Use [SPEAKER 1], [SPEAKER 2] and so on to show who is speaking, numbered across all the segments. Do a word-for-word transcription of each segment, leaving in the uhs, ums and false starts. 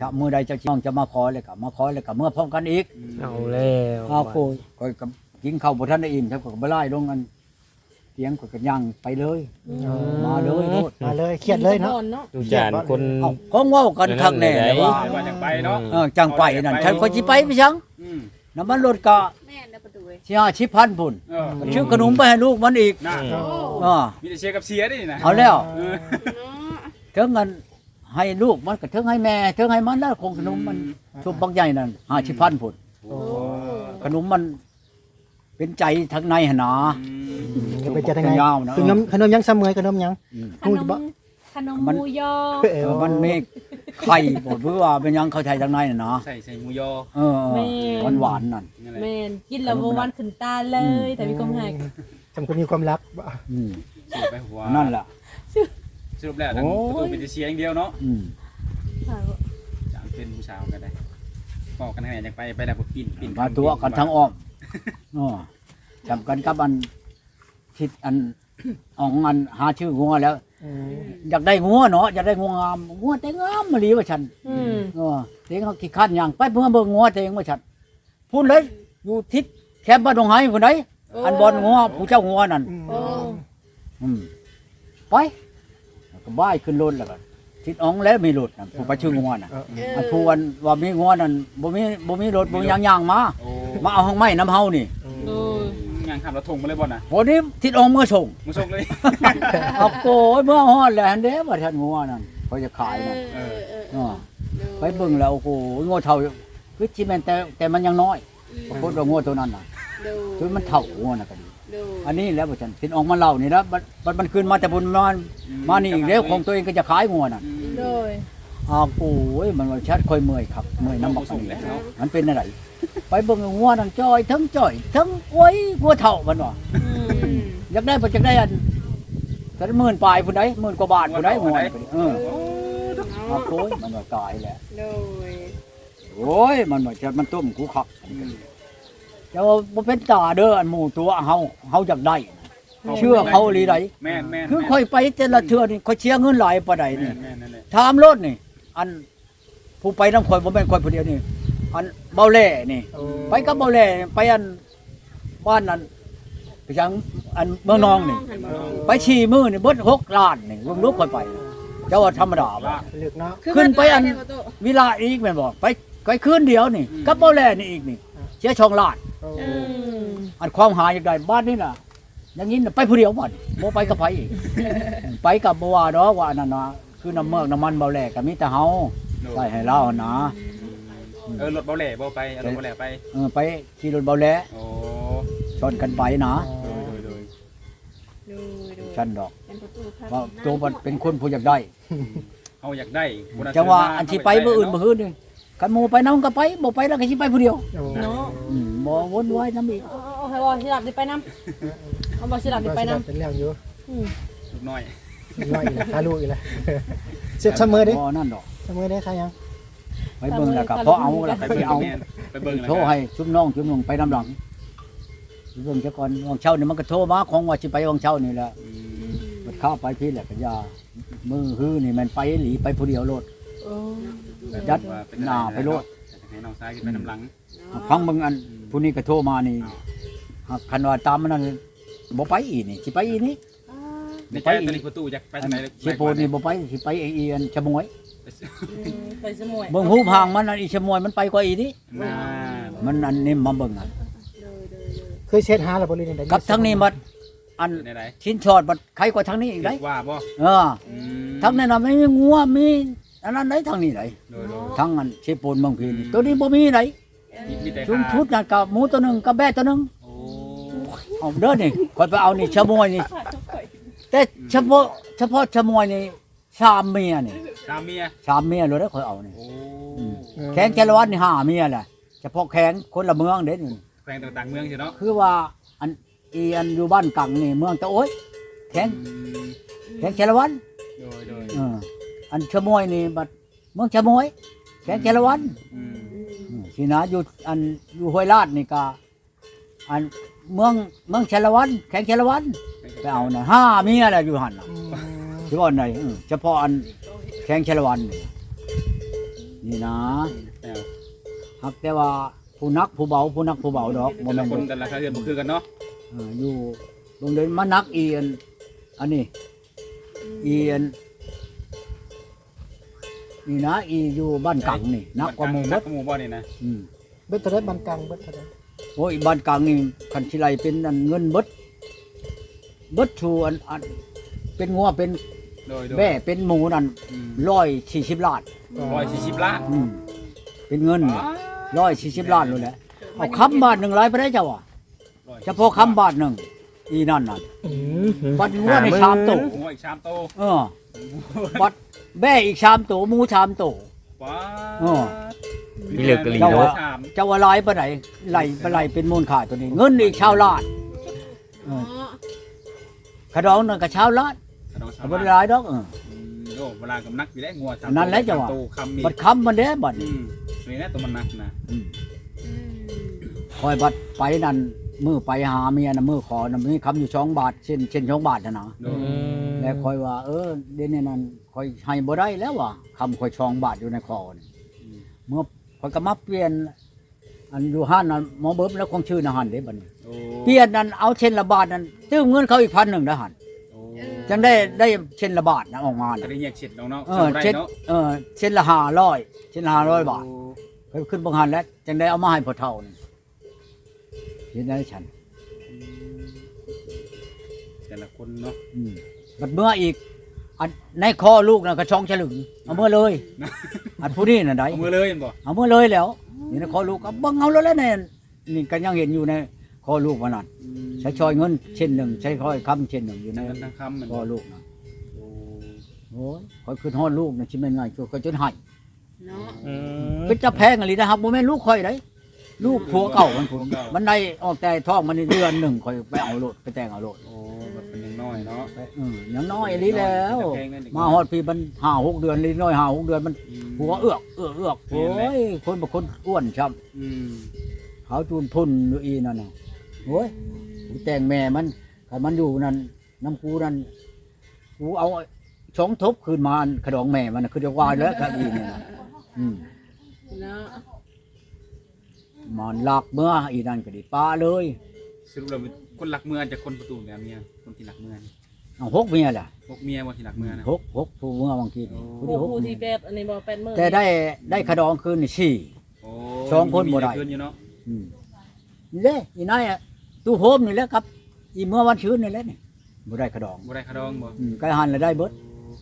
[SPEAKER 1] ถ้ามื้อใดเจ้าน้องจะมาขอเลยก็มาขอเลยก็เมื่อพร้อมกันอีก
[SPEAKER 2] เอาแล้ว
[SPEAKER 1] อ้าวโกยก็กับกินข้าวบ่ทันได้อิ่มครับก็บ่ไล่ลงกันเตียงก็ก็ย่างไปเลยมาเลยโลด
[SPEAKER 3] มาเลยเครียดเลยเนาะ
[SPEAKER 2] ดูจานคน
[SPEAKER 1] เอ้าของเว้ากันคักแน่แต่ว่า
[SPEAKER 4] ไปว่าจังไปเนาะ
[SPEAKER 1] เออจังไปนั่นฉันก็สิไปพี่ชัง
[SPEAKER 4] อืม
[SPEAKER 1] น้ำมันรถก็
[SPEAKER 5] แม่นนะประตูเว้ย
[SPEAKER 1] สิห้าสิบพันพุ่น
[SPEAKER 4] เออ
[SPEAKER 1] ชื่อขนมไปให้ลูกมันอีก
[SPEAKER 4] น่ะ
[SPEAKER 5] โอ้
[SPEAKER 1] อ่า
[SPEAKER 4] มีแต่เชียร์กับเสียดินะ
[SPEAKER 1] เอาแล้ว
[SPEAKER 4] เออ
[SPEAKER 5] เนาะ
[SPEAKER 1] ถึงเงินให้ลูกมันก็ถึงให้แม่ถึงให้มันแล้วคงขนมมันชุบบางใหญ่นั่นห้าสิบพันพุ่น
[SPEAKER 4] โอ้
[SPEAKER 1] ขนมมันเป็นใจทางในหนนา
[SPEAKER 3] จะไปจะทางไหน
[SPEAKER 1] ยาวนะ
[SPEAKER 3] ขนมขนมยังเสมอขนมยัง
[SPEAKER 1] อืม
[SPEAKER 5] ขนมขนมหมูยอ
[SPEAKER 3] เอ
[SPEAKER 1] เอ
[SPEAKER 3] อ
[SPEAKER 1] อมันมีไข่บดเพื่อว่าเป็นหยังเข้าใจทางในน่ะเนาะ
[SPEAKER 4] ใส่ใส่หมูยอ
[SPEAKER 1] เออหวานหวานๆนั่น
[SPEAKER 4] นั่นแหละ
[SPEAKER 6] แม่นกินแล้วบ่หวันขึ้นตาเลย แต่มีความหัก
[SPEAKER 3] จำคนมีความรักบ่
[SPEAKER 1] อืม
[SPEAKER 4] สรุปไปหัว
[SPEAKER 1] นั่นแหละ
[SPEAKER 4] สรุปแล้วทั้ง
[SPEAKER 1] โอ้ย
[SPEAKER 4] ประตูเป็นแต่เชียร์อย่างเดียวเนาะ
[SPEAKER 1] อืม
[SPEAKER 4] จางเป็นผู้สาวกันได้บอกกันให้อยากไปไปแล้วก็ปิ่นปิ่น
[SPEAKER 1] มาตัวกันทั้งอ้อมอ๋อจำกันกับอันทิศอันอ่องอันหาชื่องัวแล้ว
[SPEAKER 3] อืม
[SPEAKER 1] อยากได้งัวเนาะอยากได้งัวงามงัวแต่งามมาลีว่าฉัน
[SPEAKER 6] อืม
[SPEAKER 1] เออเต็งเขาขี้คันอย่างไปเพื่อเบิ่งงัวเต็งว่าฉันพูดเลยอยู่ทิศแคมป์บ้านดงไห้คนใดอันบอลงัวผู้เจ้างัวนั่น
[SPEAKER 3] อืม
[SPEAKER 6] โอ้
[SPEAKER 1] อืมไปแล้วก็บ้ายขึ้นรถแล้วก็ทิศอ่องแล้วมีรถน่ะผู้ไปชื่องัวน่ะ
[SPEAKER 3] เออ
[SPEAKER 1] อันผู้วันว่ามีงัวนั่นบ่มีบ่มีรถบ่มีหยังย่างมา
[SPEAKER 4] โอ้
[SPEAKER 1] มาเอาห้องไม้น้ำเฮานี่
[SPEAKER 6] โอ้ย
[SPEAKER 4] งานขับรถทงมาเลยบ่น่ะ
[SPEAKER 1] วันนี้ทิศอ่องเมื่อส่ง
[SPEAKER 4] มึงส่งเลย
[SPEAKER 1] เอาโกยเมื่อฮอดแล้วหั่นเด้ว่าท่านงัวนั่นเขาจะขายนั่น
[SPEAKER 5] เออเออเอ
[SPEAKER 1] อ๋อ
[SPEAKER 5] อ
[SPEAKER 1] ไปเบิ่งแล้วโอ้โหงัวเฒ่าคือสิแม่นแต่แต่มันยังน้อยปรากฏว่างัวตัวนั้นน่ะ
[SPEAKER 5] ดู
[SPEAKER 1] คือมันเฒ่างัวน่ะก็ดี
[SPEAKER 5] ดู
[SPEAKER 1] อันนี้แล้วบ่จันทิศอ่องมาเล่านี่แล้วบัดบัดมันขึ้นมาแต่บุญมามานี่อีกแล้วของตัวเองก็จะขายงัวน่ะ
[SPEAKER 6] โดย
[SPEAKER 1] อ้าวโอ้ยมันว่าชัดค่อยเมื่อยครับเมื่อยน้ำบัก
[SPEAKER 4] ส่ง
[SPEAKER 1] นี่
[SPEAKER 4] แล้ว
[SPEAKER 1] มันเป็นอะไรไปเบิ่งงัวนั่งจ้อยทั้งจ้อยทั้งโอ้ยงัวเฒ่ามันว่า
[SPEAKER 6] อืม
[SPEAKER 5] อืม
[SPEAKER 1] อยากได้บ่จักได้อันสักหมื่นปลายพุ่นใดหมื่นกว่าบาทพุ่นใดงัวนี่เอออ้าวโอ้ยมันว่ากายแหละ
[SPEAKER 5] ดู
[SPEAKER 1] โอ้ยมันว่าจะมันต้มกูคักแต่ว่าบ่เป็นตาเด้ออันหมู่ตัวเฮาเฮาอยากได้เชื่อเขาอีหลีได
[SPEAKER 4] แม่นแม่น
[SPEAKER 1] คือค่อยไปแต่ละเทื่อนี่ค่อยเชียร์เงินหลายปานใด
[SPEAKER 4] แม่
[SPEAKER 1] นี่
[SPEAKER 4] นแม่นนั่นแหละ
[SPEAKER 1] ถามรถนี่ อันผู้ไปนำข่อยบ่แม่นข่อยผู้เดียวนี่อันเบาแหล่นี่
[SPEAKER 3] โอ้
[SPEAKER 1] ไปกับเบาแหล่ไปอันบ้านนั้นไปจังอันเมืองนองนี่ ไปฉี่มือนี่เบิดหกล้านนี่ลุงลูกค่อยไปเจ้าว่าธรรมดาบ่
[SPEAKER 3] เลือกเนาะ
[SPEAKER 1] ขึ้นไปอัน วิลาอีกแม่นบ่ไปไปคืนเดียวนี่กับเบาแหล่นี่อีกนี่เสียช่องล้าน
[SPEAKER 3] โอ้
[SPEAKER 6] อืม
[SPEAKER 1] อันความหาอยากได้บ้านนี่น่ะอย่างนี้น่ะไปผู้เดียวบ่นี่บ่ไปกับไผอีก ไปกับบ่ว่าดอกว่าอันนั้นน่ะคือน้ำเมือกน้ำมันเบาแหล่ก็มีแต่เฮาใส่ให้เราหั่นนะ
[SPEAKER 4] เออรถเบาแหล่บ่ไปเอารถเบาแหล่ไป
[SPEAKER 1] เออไปขี่รถเบาแหล่
[SPEAKER 4] โอ้
[SPEAKER 1] ชนกันไปนะ
[SPEAKER 4] โดยโดยโดย
[SPEAKER 5] ดูดู
[SPEAKER 1] ฉันดอก
[SPEAKER 5] เป็นประตูครับ
[SPEAKER 1] ว่าตัวมันเป็นคนผู้อยากได้
[SPEAKER 4] เฮาอยากได้บุญ
[SPEAKER 1] จังว่าอันที่ไปมื้ออื่นมื้ออื่นนี่กันหมู่ไปนำก็ไปบ่ไปแล้วก็สิไปผู้เดียว
[SPEAKER 3] โอ้
[SPEAKER 6] เนาะ
[SPEAKER 1] อืมบ่วนวายนำอีก
[SPEAKER 6] เอาเอาให้บ่สิหลับได้ไปนำเอาบ่สิหลับได้ไปนำ
[SPEAKER 3] เป็นเรื่องอยู่
[SPEAKER 6] อืม
[SPEAKER 4] ลูกน้อย
[SPEAKER 3] อีกน้อยอีกแล้วหาลูกอีกแล้วเสียบเสมอดิ
[SPEAKER 1] บ่นั่นดอก
[SPEAKER 3] เสมอได้ใครยัง
[SPEAKER 1] ไปเบิ่งแล้วก็พอเอาแล้ว
[SPEAKER 4] ไป
[SPEAKER 1] ก็
[SPEAKER 4] เบิ่
[SPEAKER 1] สิ
[SPEAKER 4] ง
[SPEAKER 1] เอา
[SPEAKER 4] แม่นไปเบิ่งแล้ว
[SPEAKER 1] โทรให้ชุมน้องชุมนุ่งไปนำหลังไปเบิ่งซะก่อนวังเช้านี่มันก็โทรมาของว่าสิไปวังเช้านี่แหละ
[SPEAKER 4] อืม
[SPEAKER 1] มันเข้าไปพี่แหละก็อย่ามือฮื้อนี่มันไปหลีไปผู้เดียวโลด
[SPEAKER 6] โอ้
[SPEAKER 1] ยัด
[SPEAKER 4] ว่าเป็
[SPEAKER 1] หน้าไปโลด
[SPEAKER 4] ให้น้องชายขึ้นไปน้ำหลัง
[SPEAKER 1] ฟังเบิ่งอันผู้นี้ก็โทรมานี่หากคันว่าตามมันนั่นบ่ไปอีนี่สิไปอีนี่
[SPEAKER 4] ในใจตอนนี้ประตูอยากไปทางไหน
[SPEAKER 1] สิโปนี่บ่ไปสิไปไอ้อีอันชะมวย
[SPEAKER 6] อืมไปสมุย
[SPEAKER 1] เบิ่งหูพางมันอันอีชะมวยมันไปกว่าอีนี่
[SPEAKER 4] น่า
[SPEAKER 1] มันอันนี้มาเบิ่งอัน
[SPEAKER 3] เคยเช็ดหาแล้วบ่ลินได้
[SPEAKER 1] กับทั้งนี้บัดอัน
[SPEAKER 4] ในไหน
[SPEAKER 1] ชิ้นชอดบัดใครกว่าทั้งนี้อีกได้
[SPEAKER 4] ว่าบ่
[SPEAKER 1] เออ
[SPEAKER 4] อืม
[SPEAKER 1] ทั้งนั้นน่ะไม่มีงัวมีอันนั้นได้ทั้งนี้ได้
[SPEAKER 4] โดยโดย
[SPEAKER 1] ทั้งอันเชโปนเมืองพีนี่ตัวนี้บ่มีได้
[SPEAKER 4] มีมีแต่
[SPEAKER 1] ชุมชุดนั่นกับหมูตัวหนึงกับแบะตัวหนึง
[SPEAKER 4] โอ้
[SPEAKER 1] เอาเด้อนี่คอยไปเอานี่ชะมวยนี่แต่เฉพาะเฉพาะชะมวยนี่สามเมียนี่
[SPEAKER 4] ตามเมีย
[SPEAKER 1] สามเมียเลยเด้อคอยเอานี่
[SPEAKER 4] โอ้
[SPEAKER 1] แข้งแกละวันนี่ห้าเมียแหละเฉพาะแข้งคนละเมืองเด้นี่
[SPEAKER 4] แขวงต่างๆเมืองสิเนาะ
[SPEAKER 1] คือว่าอันอีอันอยู่บ้านกังนี่เมืองตะโอ้ยแข้ง
[SPEAKER 4] อืม
[SPEAKER 1] แข้งแกละวัน
[SPEAKER 4] โดยโดย
[SPEAKER 1] เอออันชะมวยนี่บัดเมืองชะมวยแข้งแกละวัน
[SPEAKER 4] อืม
[SPEAKER 1] อืมสินะอยู่อันอยู่ห้วยลาดนี่ก็อันเมืองเมืองชะละวันแข้งชะละวันไปเอาน่ะห้าเมียแหละอยู่หั่นน่ะ
[SPEAKER 3] อืม
[SPEAKER 1] ที่ว่าอันไหนเออเฉพาะอันแข้งชะละวันนี่นี่นะ
[SPEAKER 4] แต้ว
[SPEAKER 1] ฮักแต่ว่าผู้นักผู้เบาผู้นักผู้เบาดอกบ่
[SPEAKER 4] แต่
[SPEAKER 1] แม่
[SPEAKER 4] ละ
[SPEAKER 1] น
[SPEAKER 4] คน
[SPEAKER 1] บ่
[SPEAKER 4] แต่ละคาเรือนบ่คือกันเนาะ
[SPEAKER 1] เอออยู่โรงเรียนมานักอีอันอันนี้อีอันนี่นะอีอยู่บ้านกังนี่นักกว่าหมู่
[SPEAKER 4] นั
[SPEAKER 1] เบิ
[SPEAKER 4] ก
[SPEAKER 1] ด
[SPEAKER 4] กว่าหมู่บ่นี่นะ
[SPEAKER 1] อืม
[SPEAKER 3] เบิดเท่าไรบันกลางเบิดเท่าไร
[SPEAKER 1] โอ้ยบ้านกังนี่คันสิไลเป็นอันเงินเบิดเบิดชูอันอันเป็นงัวเป็น
[SPEAKER 4] โดยโดย
[SPEAKER 1] แม่เป็นหมูนั่น
[SPEAKER 4] อืม
[SPEAKER 1] ร้อยสี่สิบล้าน
[SPEAKER 4] ร้อยสี่สิบล้าน
[SPEAKER 1] อืมเป็นเงินร้อยสี่สิบล้านเลยแหละเอาคำบาทหนึ่งร้อยไปได้เจ้าอ่ะเฉพาะคำบาทหนึ่งอีนั่นน่ะ
[SPEAKER 3] อืม
[SPEAKER 1] บัดงัวในชามโต
[SPEAKER 4] โอ้ยชามโต
[SPEAKER 1] เออบัดแม่อีกชามโตหมูชามโต
[SPEAKER 4] ว้า
[SPEAKER 1] อ๋อ
[SPEAKER 2] มีเหลือกะหรี่
[SPEAKER 1] เจ้า
[SPEAKER 2] เนาะ
[SPEAKER 1] ว่า เจ้าว่าหลายปานไหนไหลไปไหลเป็นมูลค่าตัวนี้ เงินอีกชาวล้านเออขะดองนั่นก็ชาวล้าน
[SPEAKER 4] น้องชา
[SPEAKER 1] ก็
[SPEAKER 4] ว
[SPEAKER 1] บ่
[SPEAKER 4] บ้าน
[SPEAKER 1] ได้หลายดอกเออ
[SPEAKER 4] อืมโอ้เวลากับนักอยู่ได้งัวชาม
[SPEAKER 1] นั่นแหละจังหวะ
[SPEAKER 4] โตคำมี
[SPEAKER 1] บัดคำมันเด้บัด
[SPEAKER 4] อื
[SPEAKER 1] นี้
[SPEAKER 4] มนี่นะตัวมันนักนะ
[SPEAKER 1] อืม
[SPEAKER 5] อืม
[SPEAKER 1] คอยบัดไปนั่นมือไปหาเมียน่ะมือขอน่ะมีคำอยู่สองบาทเช่นเช่นสองบาทน่ะนะ
[SPEAKER 4] โด
[SPEAKER 3] อื
[SPEAKER 4] ย
[SPEAKER 3] ม
[SPEAKER 1] แล้วคอยว่า เออเดี๋ยวนี้นั่นคอยให้บ่ได้แล้วว่ะคำคอยสองบาทอยู่ในคอนี่
[SPEAKER 4] อืม
[SPEAKER 1] เมื่อคอยก็มาเปลี่ยน อันอยู่ห้านนั่นหมอเบิ้มแล้วคงชื่อนะหันเด้บัดนี้
[SPEAKER 4] โอ้
[SPEAKER 1] เปลี่ยนนั่นเอาเช่นละบาทนั่นตื้มเงินเขาอีกพันหนึ่งนะหัน
[SPEAKER 4] โอ้
[SPEAKER 1] จังได้ได้เช่นละบาทนะออกมา
[SPEAKER 4] จะ
[SPEAKER 1] น่ะ
[SPEAKER 4] ได้แยกเช็ดน้องเนาะ
[SPEAKER 1] เออ
[SPEAKER 4] ได้
[SPEAKER 1] เช่น
[SPEAKER 4] เนาะ
[SPEAKER 1] เออเช่นละห้าร้อยเช่นละห้าร้อยบาทไปขึ้นบังหันแล้วจังได้เอามาให้พ่อเฒ่านี่เห็นได้ฉัน
[SPEAKER 4] แต่ละคนเนาะ
[SPEAKER 1] อืมบัดเมื่ออีกอันในคอลูกน่ะก็ช่องฉลึงเอาเมื่อเลย อันผู้นี้น่ะได้
[SPEAKER 4] เอามือเลยเห็นบ่
[SPEAKER 1] เอาเมื่อเลยแล้วนี่ในคอลูกก็เบิ่งเอาแล้วแหละเนี่ยนี่ก็ยังเห็นอยู่ในคอลูกว่านั่นใช้ชอยเงินเช่นหนึ่งใช้คอยคำเช่นหนึ่งอยู่ใน
[SPEAKER 4] ทั้งทั้งคำมัน
[SPEAKER 1] คอลูกนะ
[SPEAKER 4] โอ้
[SPEAKER 1] โอ้ยคอยคือฮอดลูกนะชิแม่นไงจนก็จนให้
[SPEAKER 5] เนาะ
[SPEAKER 3] อืม
[SPEAKER 1] เป็นจะแพงอะไรนะครับบ่แม่นลูกคอยได้ลูกผัวเก่ามันพุ่นมันได้ออกแต่ท้องมันนี่เดือนหนึ่งคอยไปเอาโลดไปแต่งเอาโลด
[SPEAKER 4] โอ้แบบเป็นยังน้อยเนาะ
[SPEAKER 1] ไปเออยังน้อยอีหลีแล้ว
[SPEAKER 4] แพงนั่นเอง
[SPEAKER 1] มาฮอดพี่มันห้าหกเดือนลีน้อยห้าหกเดือนมัน
[SPEAKER 4] อืม
[SPEAKER 1] หัวเอือกเอือกเอือกโอ้ยคนบางคนอ้วนช้ำ
[SPEAKER 4] อืม
[SPEAKER 1] เขาจูนพุ่นอยู่อีนั่นน่ะโอ้ยกูแต่งแม่มันคันมันอยู่นั่นน้ำกูนั่นกูเอาสองทบคืนมาอันขดองแม่มันน่ะคือเดียววายแล้วครับอีนี่นะอืม
[SPEAKER 5] เนาะ
[SPEAKER 1] มันหลักเมื่ออีนั่นก็ไดีป้าเลย
[SPEAKER 4] สรุปแล้วคนหลักเมืองจากคนประตูเนี่ยเมียคนที่หลักเมือง
[SPEAKER 1] เอาหกเมียแหละ
[SPEAKER 4] พวกเมียว่าที่หลักเมืองนะ
[SPEAKER 1] หกหกผู้เมื่อบางทีนี่ผู้ที่หก
[SPEAKER 6] ผู้
[SPEAKER 1] เมี
[SPEAKER 6] ที่
[SPEAKER 1] ย
[SPEAKER 6] แปดอันนี้บ่แปดมื้อ
[SPEAKER 1] แต่ได้ได้ขดองคืนนี่สี่
[SPEAKER 4] โอ้
[SPEAKER 1] สองคนบ่ได้
[SPEAKER 4] มีเกินอยู่เนาะ
[SPEAKER 1] อืมนี่เด้อีนายอะตู้โฮมนี่แหละครับ อีเมื่อวันชื้นนี่แหละนี่บ่ได้ขดอง
[SPEAKER 4] บ่ได้คาดองบ่
[SPEAKER 1] อืมไก่หันแล้วได้เบิด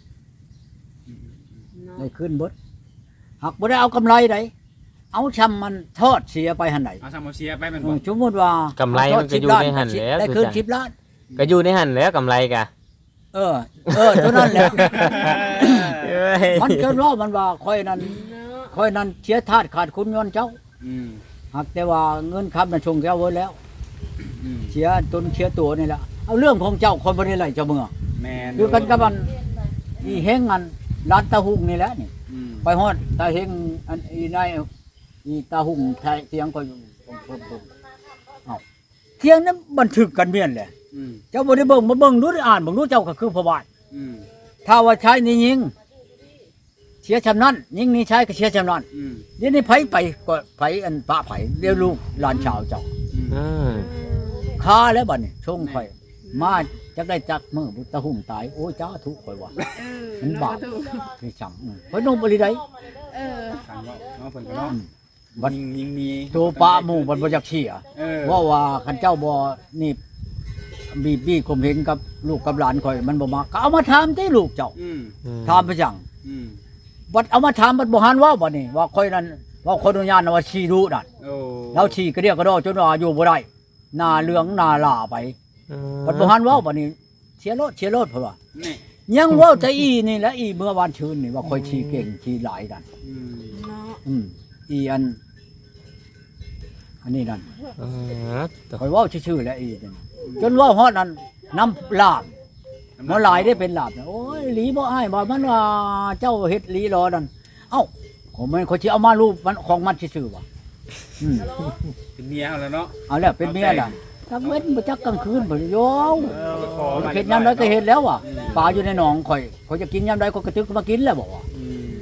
[SPEAKER 5] เนาะ
[SPEAKER 1] ได้ขึ้นเบิดหักบ่ได้เอากำไรใดเอาชำมันทอดเสียไปหันไหน
[SPEAKER 4] เอาซามเอาเชียไปแมัน
[SPEAKER 1] เอ
[SPEAKER 4] บ่
[SPEAKER 1] อสมมติว่าก
[SPEAKER 2] ำไรมันก็อยู่ในหั่นแหล้ว
[SPEAKER 1] ได้
[SPEAKER 2] คือ
[SPEAKER 1] คืน
[SPEAKER 2] กัน
[SPEAKER 1] สิบล้าน
[SPEAKER 2] ก็อยู่ในหันแหล้วกำไรกะ
[SPEAKER 1] เออ เออเท่านั้นแหละ
[SPEAKER 2] เอ้ย
[SPEAKER 1] มันจนว่ามันว่าค่อยนั้น
[SPEAKER 5] เนาะ
[SPEAKER 1] ค่อยนั้นเสียทาสขาดคุณย้อนเจ้า
[SPEAKER 4] อืม
[SPEAKER 1] หากแต่ว่าเงินคำนั้นชงแก้วไว้แล้ว
[SPEAKER 4] อืม
[SPEAKER 1] เสียตนเสียตัวนี่แหละเอาเรื่องของเจ้าคนบ่ได้ไล่เจ้าเมือง
[SPEAKER 4] แม่น
[SPEAKER 1] อยู่กันกับมันอีเฮงอันร้านตาหุงนี่แหละนี่
[SPEAKER 4] อืม
[SPEAKER 1] ไปฮอดตาเฮงอันอีนายอีตาหุงไทยเสียงก็อยู่ปุ๊บๆเอ้าเที่ยงนั้นบันทึกกันเมียนแหละ
[SPEAKER 4] อืม
[SPEAKER 1] เจ้าบ่ได้เบิ่งมาเบิ่งดูได้อ่านเบิ่งดูเจ้าก็คือพระบาท
[SPEAKER 4] อืม
[SPEAKER 1] ถ้าว่าใช้นี่ยิงเสียชำนั้นยิงนี่ใช้ก็เสียชำนั้น
[SPEAKER 4] อืม
[SPEAKER 1] เดี๋ยวนี้ไผไปก็ไผอันปะไผเดี๋ยวลูกหลานชาวเจ้า
[SPEAKER 4] อืม
[SPEAKER 2] อืม
[SPEAKER 1] ค้าแล้วบัดนี้ชงข่อยมาจักได้จักมือบุตรหุ่มตายโอ้ยจ้าทุกข่อยว่า
[SPEAKER 5] เออ
[SPEAKER 1] มันบาป
[SPEAKER 5] เนาะถูก
[SPEAKER 1] พี่จังอืมข่อยนมบ่ได้ได้
[SPEAKER 5] เออ
[SPEAKER 4] สั่งว่าเนาะเพิ่นก็เนาะ
[SPEAKER 1] บัด
[SPEAKER 4] ยิงยิงมี
[SPEAKER 1] ตัวปลาหมู่บัดบ่จักเชี่ย
[SPEAKER 4] เออ
[SPEAKER 1] ว่าว่าคันเจ้าบ่นี่บีบี้ข่มเหงกับลูกกับหลานข่อยมันบ่มาก็เอามาถามติลูกเจ้า
[SPEAKER 4] อืม
[SPEAKER 1] ถามไปจัง
[SPEAKER 4] อืม
[SPEAKER 1] บัดเอามาถามบัดบ่หันเว่าบัดนี้ว่าข่อยนั้นว่าคนอนุญาตนะว่าชีรู้นั่น
[SPEAKER 4] โอ้
[SPEAKER 1] เราฉีกระเดียกระดอจนว่าอยู่บ่ได้หน้าเหลืองหน้าหล่าไปบัดบ่หันเว้าบัดนี้เสียรถเสียรถเพิ่นว่า
[SPEAKER 4] นี่
[SPEAKER 1] ยังเว้าแต่อีนี่แหละอีเมื่อวานชื่นนี่ว่าค่อยฉีเก่งฉีหลายนั่น
[SPEAKER 4] อืม
[SPEAKER 5] เนาะ
[SPEAKER 1] อืมอีอัน อันนี้นั่น
[SPEAKER 2] อืมตัว
[SPEAKER 1] ค่อยเว้าชื่อๆแล้วอีนั่นจนเว้าฮอดนั้นน้ำลาบบ่หลายได้เป็นลาบนะโอ้ยหลีบ่อ้ายบ่มันว่าเจ้าเฮ็ดหลีรอนั่นเอ้าผมมันเขาสิเอามารูปมันของมันซื่อๆว่ะอืม
[SPEAKER 4] เป็นเมียเอาแล้วเนาะ
[SPEAKER 1] เอาแล้วเป็นเมียล่ะทั้งเว้นบ่จักกลางคืนบ่โยว
[SPEAKER 4] ไปขอมา
[SPEAKER 1] เฮ็ดยามใดก็เฮ็ดแล้วว่ะปลาอยู่ในหนองข่อยข่อยจะกินยามใดก็กระตึกมากินแล้วบอกว่า
[SPEAKER 4] อืม
[SPEAKER 1] เ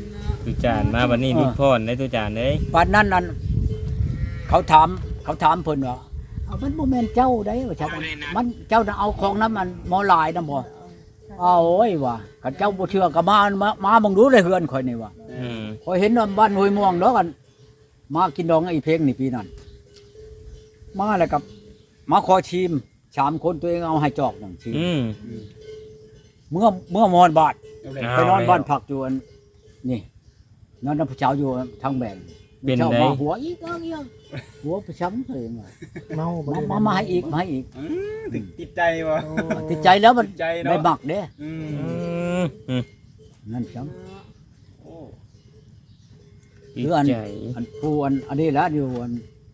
[SPEAKER 2] ตุจานมาวันนี้นิพนธ์ได้ตุจานเด้ย
[SPEAKER 1] วันนั้นนั่นเขาถามเขาถามเพิ่นว่าเอามันบ่แม่นเจ้าได้ว่าซั่นมันเจ้าน่ะเอาของนั้นมันหมอหลายนำบ่เอาโอ้ยว่าคันเจ้าบ่เชื่อก็มามามาเบิ่งดูเลยเฮือนข่อยนี่ว่า
[SPEAKER 2] อืม
[SPEAKER 1] ข่อยเห็นว่าบ้านห้วยม่วงดอกกัน มากินดองไอ้เพลงนี่ปีนั้นมาแล้วกับมาขอชิมสามคนตัวเองเอาให้จอกหนึ่งชิม
[SPEAKER 2] อืม
[SPEAKER 1] เมื่อเมื่อมอนบาท
[SPEAKER 4] เอาเลย
[SPEAKER 2] อ่า
[SPEAKER 1] ไปนอนบ้านพักอยู่อันนี่นอนน้ำผู้เช้าอยู่ทางแบ่ง
[SPEAKER 2] เป็น
[SPEAKER 1] เช้า
[SPEAKER 2] ได
[SPEAKER 1] มาหัวอีกเอาอีกเอาหัวประช้ำเลยมา
[SPEAKER 3] เมาบ่
[SPEAKER 1] มา
[SPEAKER 3] ได้
[SPEAKER 1] มามาให้อีกมาให้อีก
[SPEAKER 4] อืมถึงติดใจวะ
[SPEAKER 1] ติดใจแล้วมัน
[SPEAKER 4] ติดใจเนาะ
[SPEAKER 1] ได้หมักเด้
[SPEAKER 4] อืม
[SPEAKER 2] อืมอืม
[SPEAKER 1] นั่นช้
[SPEAKER 4] โอ้
[SPEAKER 2] ติด
[SPEAKER 1] คืออัน
[SPEAKER 2] ใจ
[SPEAKER 1] ำอันผู้อันอันนี้แล้วอยู่อัน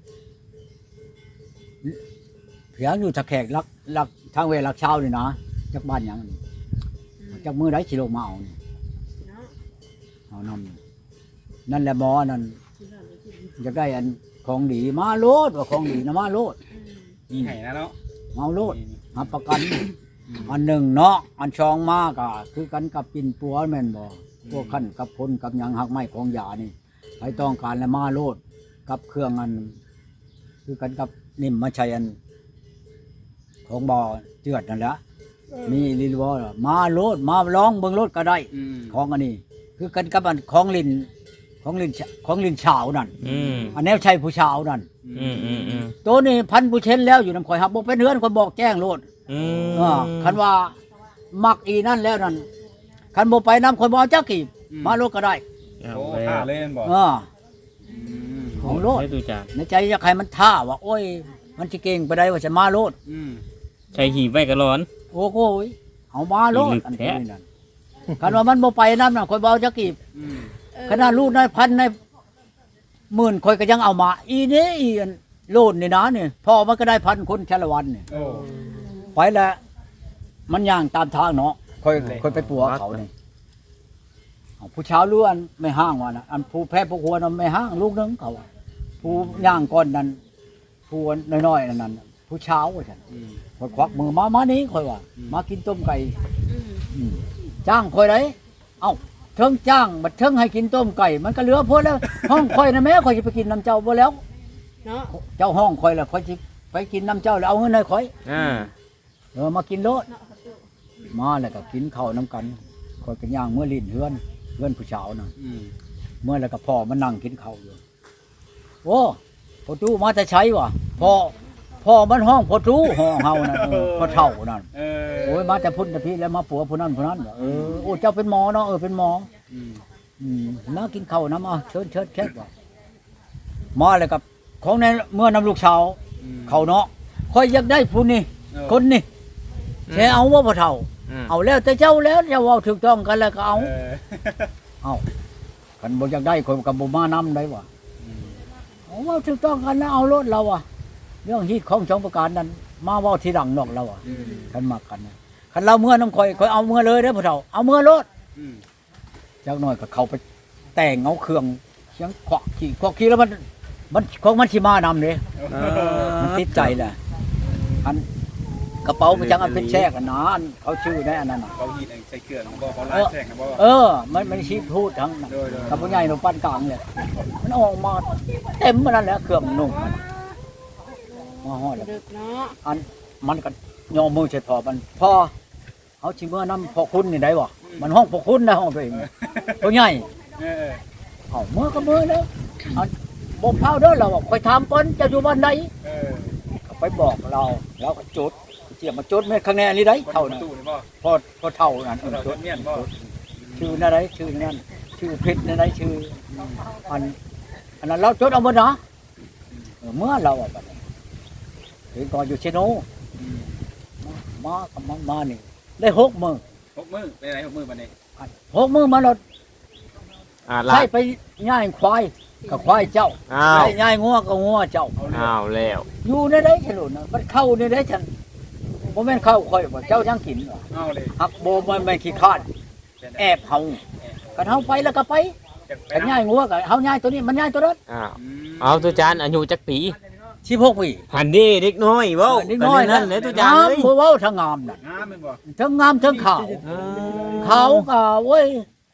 [SPEAKER 1] เพียงอยู่ตะแขกลักลักทางเวลักเช้านี่นะจากบ้านหยังนี่จากมือได้ชิโลมาเอานี่
[SPEAKER 5] เนาะ
[SPEAKER 1] เอานำนั่นแหละหมอนั่นจะได้อันของดีมาโลดว่าของดีนะมาโลด
[SPEAKER 4] มีไห้นะเนาะ
[SPEAKER 1] มาโลดมาประกัน อันหนึ่งเนาะอันชองมากอ่ะคือกันกับปิ่นปัวแม่นบ่พวกขั้นกับพลกับหยังหักไม้ของยานี่ใครต้องการแล้วมาโลดกับเครื่องอัน คือกันกับนิ่มมาใช้อัน ของบ่อเจือดนั่นแหละมีลิลวอมาโลดมาลองเบิ่งโลดก็ได้
[SPEAKER 4] อืม
[SPEAKER 1] ของอันนี้ คือกันกับอันของลินของลินของลินเฉาวนั่น
[SPEAKER 2] อืม
[SPEAKER 1] อันแนวใช้ผู้เฉาวนั่น
[SPEAKER 2] อืมอืมอืม
[SPEAKER 1] ตัวนี้พันผู้เช่นแล้วอยู่นำข่อยหับบ่เป็นเฮือนคนบอกแจ้งโลด
[SPEAKER 2] อืม
[SPEAKER 1] อ่าคันว่ามักอีนั่นแล้วนั่นคันบ่ไปนำคนบ่เอาจักกี่มาโลดก็ได้
[SPEAKER 2] เอา
[SPEAKER 4] โอ้
[SPEAKER 2] แล้
[SPEAKER 4] ท่าว เล่นบ่
[SPEAKER 1] อ่า
[SPEAKER 4] อืม
[SPEAKER 1] ของโลด
[SPEAKER 2] ได้ตุจาน
[SPEAKER 1] ในใจอยากให้มันท่าว่า โอ้ย มันสิเก่งไปได้ว่าจะมาโลด
[SPEAKER 4] อืม
[SPEAKER 2] ใช้หีบไว้ก็ร้อน
[SPEAKER 1] โอ้โหยเอามาโลด
[SPEAKER 2] อีหลึก
[SPEAKER 1] อัน
[SPEAKER 2] แท้
[SPEAKER 1] นี้นั่นคันว่ามันบ่ไปนำน่ะคนบ่เอาจักกี่
[SPEAKER 4] อืม
[SPEAKER 1] ขนาดลูกนายพันในหมื่นคนก็ยังเอามา อีนี่อีอันโลดนี่นะนี่พ่อมันก็ได้พันคนชาละวันนี่
[SPEAKER 4] โอ้
[SPEAKER 1] ไปแล้วมันย่างตามทางเนาะค่อยค่อยไปปัวเขานี่เอาผู้เช้าล้วนไม่ห้างว่านะอันผู้แพ้ผู้หัวนั้นไม่ห้างลูกนึงเขาอะผู้ย่างก้อนนั้นผู้น้อยๆนั่นนั่นผู้เช้าว่าฉัน
[SPEAKER 4] อืม
[SPEAKER 1] ค่อยควักมือมามานี้ค่อยว่า
[SPEAKER 4] อืม
[SPEAKER 1] มากินต้มไก่
[SPEAKER 5] อืม
[SPEAKER 1] อืมจ้างค่อยได้เอ้าเทิงจ้างบัดเทิงให้กินต้มไก่ มันก็เหลือพอแล้ว ห้องค่อยนะแม่ค่อยสิไปกินน้ำเจ้าบ่แล้ว
[SPEAKER 5] เนาะ
[SPEAKER 1] เจ้าห้องค่อยแล้วค่อยสิไปกินน้ำเจ้าแล้วเอาเงินให้ค่อย
[SPEAKER 2] อ่า
[SPEAKER 1] เออมากินโลดมาแล้วก็กินข้าวน้ำกันคอยกันย่างเมื่อลิ้นเฮือนเฮือนผู้สาวน่ะ
[SPEAKER 4] อืม
[SPEAKER 1] เมื่อแล้วก็พ่อมานั่งกินข้าวอยู่โอ้พ่อตู้มาจะใช้วะพ่อพ่อมันห้องพ่อตู้ห้องเฮานั่นเออพ่อเฒ่านั่น
[SPEAKER 4] เออ
[SPEAKER 1] โอ้ยมาแต่พุ่นแต่พี่แล้วมาปัวผู้นั้นผู้นั้นว่ะเออโอ้เจ้าเป็นหมอเนาะเออเป็นหมอ
[SPEAKER 4] อืม
[SPEAKER 1] อืมมากินข้าวน้ำมาเชิญเชิญเชิญว่ะมาแล้วกับของในเมื่อนำลูกสาว
[SPEAKER 4] อืม
[SPEAKER 1] เขาเนาะคอยอยากได้ผู้นี้
[SPEAKER 4] เออ
[SPEAKER 1] คนนี้แค่เอาว่าพ่อเฒ่า
[SPEAKER 2] อืม
[SPEAKER 1] เอาแล้วแต่เจ้าแล้วเจ้าเอาถูกต้องกันแล้วก็เอา
[SPEAKER 4] เออ
[SPEAKER 1] เอาคันบ่อยากได้คนกับบ่มานำได้ว่ะ
[SPEAKER 4] อืม
[SPEAKER 1] เอาว่าถูกต้องกันแล้วเอารถเราอ่ะเรื่องฮีตของสองประการนั้น มาเว้าทีหลังนอกเราอ่ะ
[SPEAKER 4] อืม
[SPEAKER 1] คันมักกันนะคันเราเมื่อน้ำข่อยข่อยเอาเมื่อเลยเด้อพ่อเฒ่าเอาเมื่อรถ
[SPEAKER 4] อืม
[SPEAKER 1] จักหน่อยก็เข้าไปแต่งเอาเครื่องเสียงขวักขี่ขวักขี่แล้วมันมันของมันสิมานำเด้
[SPEAKER 2] อ่า
[SPEAKER 1] มันติดใจแหละอันกระเป๋ามันจังอันเป็นแชกอันนั้นอันเขาชื่อแน่อันนั้นน่ะ
[SPEAKER 4] เขาหีดใส่เกลือของบ่เขาลายแช่งนะบ่
[SPEAKER 1] เออ มันมันชี้พูดทั้งนั้น
[SPEAKER 4] โดยโดย
[SPEAKER 1] กับผู้ใหญ่หนุ่มปานกลางเลยมันออกมาเต็มมันนั่นแหละเครื่องนุ่งมันมาฮอดแล้ว
[SPEAKER 5] ดึกเนาะ
[SPEAKER 1] อันมันก็ยอมมือเฉยพอมันพอเอาชิเมื่อน้ำพอคุณนี่ได้บ่มันห้องพอคุณนะห้องตัวเองผู้ใหญ่
[SPEAKER 4] เออ
[SPEAKER 1] เอาเมื่อก็เมื่อแล้วอันบ่เผาเด้อเราบอกคอยถามก่อนจะอยู่บ้านใด
[SPEAKER 4] เออ
[SPEAKER 1] ก็ไปบอกเราเราก็จุดเสียมาจุดแม่ข้างในอันนี้ได้เท่า
[SPEAKER 4] นั้
[SPEAKER 1] นั้น น
[SPEAKER 4] ตู้นี่บ่
[SPEAKER 1] พอพอเท่านั้นเออ
[SPEAKER 4] เรา
[SPEAKER 1] จุด
[SPEAKER 4] เมียนบ่
[SPEAKER 1] ชื่อนั่นไรชื่อนั่นชื่อเพชรนั่นไรชื่ออันอันนั้นเราจดเอาหมดนะเออเมื่อเราอ่ะบัดนี้เห็นก่อนอยู่เชโน
[SPEAKER 4] อืม
[SPEAKER 1] มากับมันมานี่ได้หกมือ
[SPEAKER 4] หกมือไปไหนหกมือบัดนี้
[SPEAKER 1] อันหกมือมาเรา
[SPEAKER 2] อ่าลา
[SPEAKER 1] ใช่
[SPEAKER 2] ด
[SPEAKER 1] ไปย่ายควายกับควายเจ้า
[SPEAKER 2] อ้าว
[SPEAKER 1] ใช่ย่ายงัวกับงัวเจ้า
[SPEAKER 4] เอาเลย
[SPEAKER 2] อ้าวแล้ว
[SPEAKER 1] อยู่ในได้ฉลุนนะมันเข้าในได้ฉันโมเมนเข้าคอยว่าเจ้ายังกินเหรอ
[SPEAKER 4] เอาเลย
[SPEAKER 1] หักโบมันไม่ขี้ข้านแอบเฮากันเฮาไปแล้วก็ไป
[SPEAKER 4] จะไป
[SPEAKER 1] กันย่ายงัวกับเฮาย่ายตัวนี้มันย่ายตัวนั้น
[SPEAKER 2] อ้าว
[SPEAKER 4] อืม
[SPEAKER 2] เอาตุจานอายุจักปี
[SPEAKER 1] สิบหกปี
[SPEAKER 2] หันดีเด็กน้อยเว้า
[SPEAKER 1] นิดน้อย
[SPEAKER 2] นั่นเลยตุจานเลย
[SPEAKER 1] บ่เว้าทั้งงามน่ะ
[SPEAKER 4] งามแม่นบ่
[SPEAKER 1] ทั้งงามทั้งขาว
[SPEAKER 2] อ่า
[SPEAKER 1] ขาวก็โอ้ย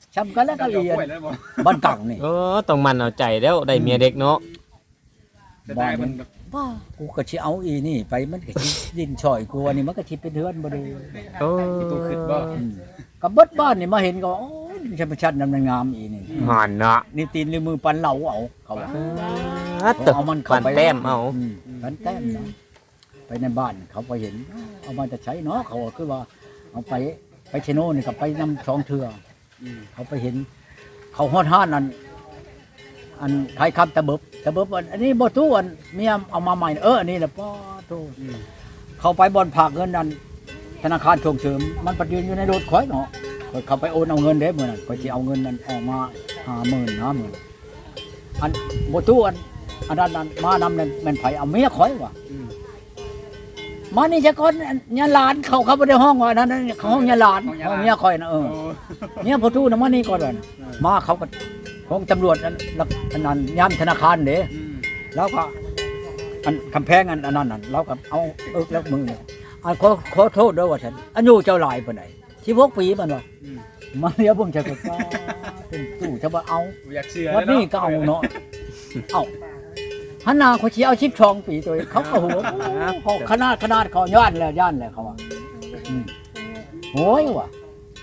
[SPEAKER 1] ช้ำกันแล้วก็เรียน
[SPEAKER 4] กล้วยแล้วบ่
[SPEAKER 1] บ้านตังนี่
[SPEAKER 2] เออต้องมันเอาใจแล้วได้เมียเด็กเนาะ
[SPEAKER 4] จะได้มันแบบ
[SPEAKER 1] บ้ากูก็สิเอาอีนี่ไปมันก็สิดินช่อยกูอันนี้มันก็สิเป็นเฮือนบ่ดี
[SPEAKER 2] โอ้
[SPEAKER 4] ตัวขึ้นบ่
[SPEAKER 1] อืมก็เบิดบ้านนี่มาเห็นก็โอ้ยธรรมชาตินำงามอีนี่
[SPEAKER 2] หอนเนาะ
[SPEAKER 1] นี่ตีนหรือมือปันเหลาเอาเขาว่า
[SPEAKER 2] อัดตึก
[SPEAKER 1] เอามัน
[SPEAKER 2] ปั
[SPEAKER 1] เข้าน ไป
[SPEAKER 2] แต้มเอา
[SPEAKER 1] อืมปันแต้มเนาะไปในบ้านเขาไปเห็นเอามาจะใช้เนาะเขาก็คือว่าเอาไปไปเชโน่นี่ก็ไปนำสองเทื่อ
[SPEAKER 4] อืม
[SPEAKER 1] เขาไปเห็น เขาฮอดห้านอันอันขายคำตะเบิบตะเบิบอันอันนี้บ่ตู้อันเมียเอามาใหม่เอออันนี้แหละป้อตู้
[SPEAKER 4] อืม
[SPEAKER 1] เขาไปบอนผากเงินนั่นธนาคารส่งเสริมมันปัดยืนอยู่ในรถข่อยเนาะข่อยเขาไปโอนเอาเงินเด้มื้อนั้นข่อยสิเอาเงินนั้นออกมาห้าหมื่นห้าหมื่นอันบ่ตู้อันอันนั้นอันมานำนั่นแม่นไผเอาเมียข่อยว่ะ
[SPEAKER 4] อืม
[SPEAKER 1] มานี่จะก่อนญาหลานเขาเขาบ่ได้ห้องว่านั่นนั่นเขาห้องญาหลานห้องเมียข่อยน่ะเออ
[SPEAKER 4] โอ้
[SPEAKER 1] เมียบ่ตู้น่ะมานี่ก่อนว่ามาเขาก็ของตำรวจอันอันนั้นยามธนาคารเด้
[SPEAKER 4] อืม
[SPEAKER 1] แล้วก็อันกำแพงอันอันนั้นน่ะเราก็เอาเอิกแล้วมือเนี่ยอันขอขอโทษด้วยว่าฉันอายุเจ้าหลายปานใดสิบหกปีมันว่า
[SPEAKER 4] อืม
[SPEAKER 1] มาเดี๋ยวเบิ่งจะก็เป็นตู้จะบ่เอา
[SPEAKER 4] บ่อยากเชื่อ
[SPEAKER 1] วันนี้ก็เอาเนาะเอาหันหน้าเขาสิเอาสิบสองปีตัวเองเขาก็หัวเขาขนาดขนาดเขาย่านแล้วย่านแล้วเขาว่าอืมโอ้ยว่ะ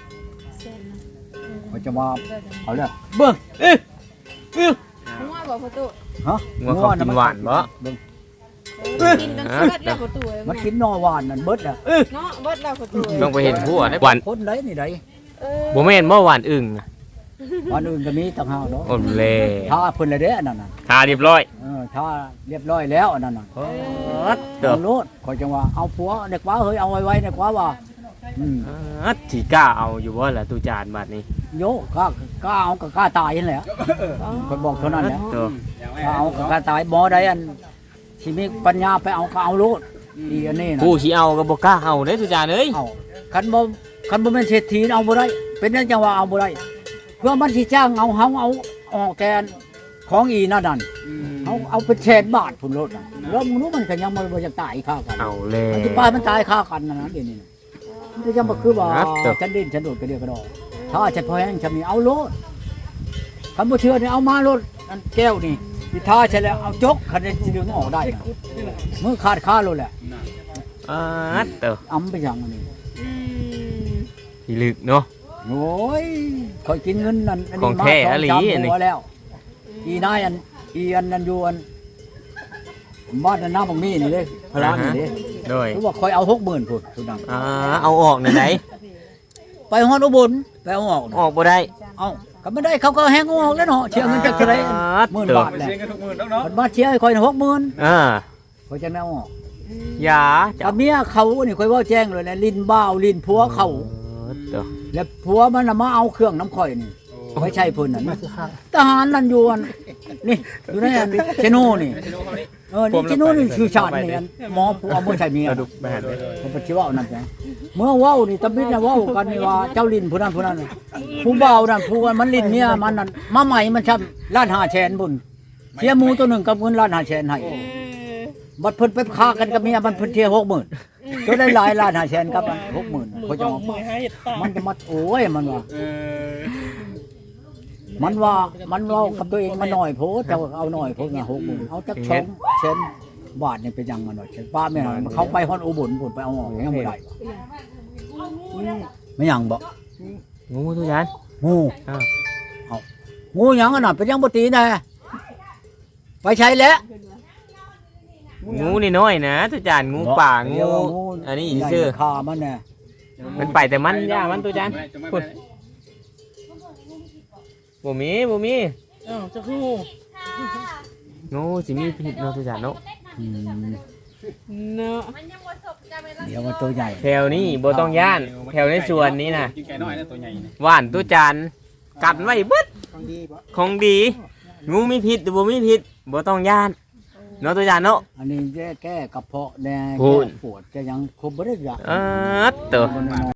[SPEAKER 1] เขาจะมาเอาเลยเบิ่งเอ๊ะเอ๊ะ
[SPEAKER 5] หัวบ่ประตู
[SPEAKER 1] ฮะ
[SPEAKER 2] งัวเขากินหวานบ่
[SPEAKER 1] เบิ่ง
[SPEAKER 5] กินจนเบิดแล้วประตู
[SPEAKER 1] มันกินนอหวานนั่นเบิดอ่ะเอ๊ะ
[SPEAKER 5] เนาะเบิดแล้วประตู
[SPEAKER 2] ต้องไปเห็นหัวหวาน
[SPEAKER 1] คนไหนนี่ได
[SPEAKER 5] เออ
[SPEAKER 2] บ่แม่นบ่หวานอึ่งน่ะ
[SPEAKER 1] วันอื่นก็มีต่างหากเนาะ
[SPEAKER 2] โอ้เล่
[SPEAKER 1] ถ้าเพิ่นละเด้อันนั้นน่ะ
[SPEAKER 2] ทาเรียบร้อย
[SPEAKER 1] เออถ้าเรียบร้อยแล้วอันนั้นน่ะ
[SPEAKER 2] อัดเด้อ
[SPEAKER 1] เอาโลดขอยจังว่าเอาผัวเด็กว่าเฮ้ยเอาไว้ไว้เด็กว่าว่าอืม
[SPEAKER 2] อัดสิกล้าเอาอยู่บ่ล่ะตูจานบัดนี้
[SPEAKER 1] โยกล้ากล้าเอาก็กล้าตายนั่นแหละข่อยบอกเท่านั้นแหละ
[SPEAKER 2] เด้อ
[SPEAKER 4] อย่าง
[SPEAKER 1] กล้าเอาก็กล้าตายบ่ได้อันสิมีปัญญาไปเอาก็เอาโลดอีอันนี้น่ะ
[SPEAKER 2] ผู้สิเอาก็บ่กล้าเอาเด้ตูจานเอ้ย
[SPEAKER 1] เอาคันบ่คันบ่แม่นเศรษฐีเอาบ่ได้เป็นจังว่าเอาบ่ได้เพื่อมันสิจ้างเอาเฮาเอาออกแกนของอีนั่นนั่น
[SPEAKER 4] อืม
[SPEAKER 1] เอาเอาเป็นแสนบาทพุ่นโลดน่ะแล้วมึงรู้มันก็ยังบ่บ่จะตายค่ากัน
[SPEAKER 2] เอาแล้
[SPEAKER 1] มันสิปลายมันตายค่ากันนะนะเดี๋ยวนี้น่ะมันก็ยังบ่คือว่า
[SPEAKER 2] ครับเด้อ
[SPEAKER 1] ฉันดิ้นฉันโดดก็เดียวก็ดอกถ้าจะพอแห้งจะมีเอาโลดคันบ่เชื่อนี่เอามาโลดอันแก้วนี่สิท่าใช่แล้วเอาจกคันจะสิดึงออกได้น่ะมือขาดค่าโลดแหละ
[SPEAKER 4] น่ะ
[SPEAKER 2] อัดเด้อ
[SPEAKER 1] อำไปจังอันนี้
[SPEAKER 5] อืม
[SPEAKER 2] พี่ลึกเนาะ
[SPEAKER 1] โอ้ยคอยกินเงินนั่นอัน
[SPEAKER 2] ขอ
[SPEAKER 1] นี้
[SPEAKER 2] ง
[SPEAKER 1] มา
[SPEAKER 2] แท้
[SPEAKER 1] สอง
[SPEAKER 2] อะหลี
[SPEAKER 1] สาม
[SPEAKER 2] อันนี้
[SPEAKER 1] หัวแล้ว อีนายอันอีอันนั้นอยู่อันบ้านอันน้าบังมีนี่เด้พลานี่เด้
[SPEAKER 2] โดย
[SPEAKER 1] รู้ว่าคอยเอาหกหมื่นพุ่นทุนนั้น
[SPEAKER 2] อ่าเอาออกหน่อยไหน
[SPEAKER 1] ไปฮอดอุบลไปเอาออก
[SPEAKER 2] อ
[SPEAKER 1] น่ะ
[SPEAKER 2] อกบ่ได้
[SPEAKER 1] เอาก็ไม่ได้เขาก็แห้งออกแล้วเนาะเชียร์เงินจากเท่าไหรหมื่นบาท
[SPEAKER 4] ไป
[SPEAKER 1] แหละ
[SPEAKER 4] เสียงกันทุกมื้อเนาะเนาะ
[SPEAKER 1] มันมาเชียร์ให้คอยหกหมื่น
[SPEAKER 2] อ่า
[SPEAKER 1] คอยจะเอาออก
[SPEAKER 2] อย่าจะ
[SPEAKER 1] กับเมียเขานี่คอยเว่าแจ้งเลยนะลิ้นบ้าวลิ้นผัวเขา
[SPEAKER 2] เด้อ
[SPEAKER 1] แล้วผัวมันน่ะมาเอาเครื่องน้ำข่อยนี่
[SPEAKER 4] โอ้
[SPEAKER 1] ไม่ใช่เพิ่นน่ะ
[SPEAKER 3] มา
[SPEAKER 1] นะ
[SPEAKER 3] คือข้าง
[SPEAKER 1] ทหารนั่นอยู่อันนี่อยู่ในอันเชโน่นี่
[SPEAKER 4] ไม่ใช่ลูกเขานี่
[SPEAKER 1] เออนี่เชโน่นี่ชื่อชาตินี่อันหมอผัวเอามื่อใช่เมีย
[SPEAKER 2] เอาดูไปหันเลย
[SPEAKER 1] ผมไปเชื่อว่าเอานั่นจ้ะเมื่อเว้านี่ตะบิดน่ะเว้ากันนี่ว่าเจ้าลิ้นผู้นั้นผู้นั้นน่ะผู้เบานั่นผู้ว่ามันลิ้นเมียมันนั่นมาใหม่มันช้ำล้านห้าแสนบุญเสียหมูตัวหนึ่งกับเงินล้านห้าแสนให้
[SPEAKER 5] เออ
[SPEAKER 1] บัดเพิ่นไปฆ่ากันกับเมียมันเพิ่นเที่ยหกหมื่นก็ได้หลายล้านห้าแสนกับหกหมื่นเขาจะเอามันจะมาโอ้ยมันว่า
[SPEAKER 4] เออ
[SPEAKER 1] มันว่ามันเว่ากับตัวเองมันหน่อยโพสแต่ว่าเอาหน่อยโพสนะหกหมื่นเอาจักสองเซนบาทนี่เป็นยังมันว่าเช่นป้าแม่นเขาไปฮอนอุบลพุ่นไปเอาออกยังบ่ได้ไม่ยังบ่
[SPEAKER 2] งูตูจาน
[SPEAKER 1] งู
[SPEAKER 2] อ้าว
[SPEAKER 1] เอางูหยังอันนั้นเป็นยังบ่ตีแน่ไปใช้แล้ว
[SPEAKER 2] งูนี่น้อยนะตูจานงูป่างู
[SPEAKER 1] เดี๋ยวว่า
[SPEAKER 2] อันนี้
[SPEAKER 1] ใหญ่
[SPEAKER 2] ชื่อ
[SPEAKER 1] ฆ่ามันแน่
[SPEAKER 2] มันไปแต่มันย่ามันตูจาน
[SPEAKER 4] จะไม่
[SPEAKER 2] พุ่น
[SPEAKER 4] ไป
[SPEAKER 2] บ่มีบ่มี
[SPEAKER 5] อ้าวจะคือ
[SPEAKER 2] งูสิมีพิษเนาะตูจานเนาะ
[SPEAKER 1] อืม
[SPEAKER 5] เนาะ
[SPEAKER 1] เดี๋ยวมันตัวใหญ่
[SPEAKER 2] แถวนี้บ่ต้องย่านแถวในสวนนี้น่ะ
[SPEAKER 4] กินไก่น้อยนะตัวใหญ่นี่
[SPEAKER 2] ว่านตูจานกัดไว้เบิด
[SPEAKER 3] ของดีบ่
[SPEAKER 2] ของดี งูมีพิษหรือบ่มีพิษบ่ต้องย่านเนาะตูจานเนาะ
[SPEAKER 1] อันนี้แก้แก้กระเพาะแน่
[SPEAKER 2] พู
[SPEAKER 1] แก้
[SPEAKER 2] ด
[SPEAKER 1] ปวดจะยังครบบ่ได้ยา
[SPEAKER 2] เออเตอ
[SPEAKER 1] บ่ได้นอน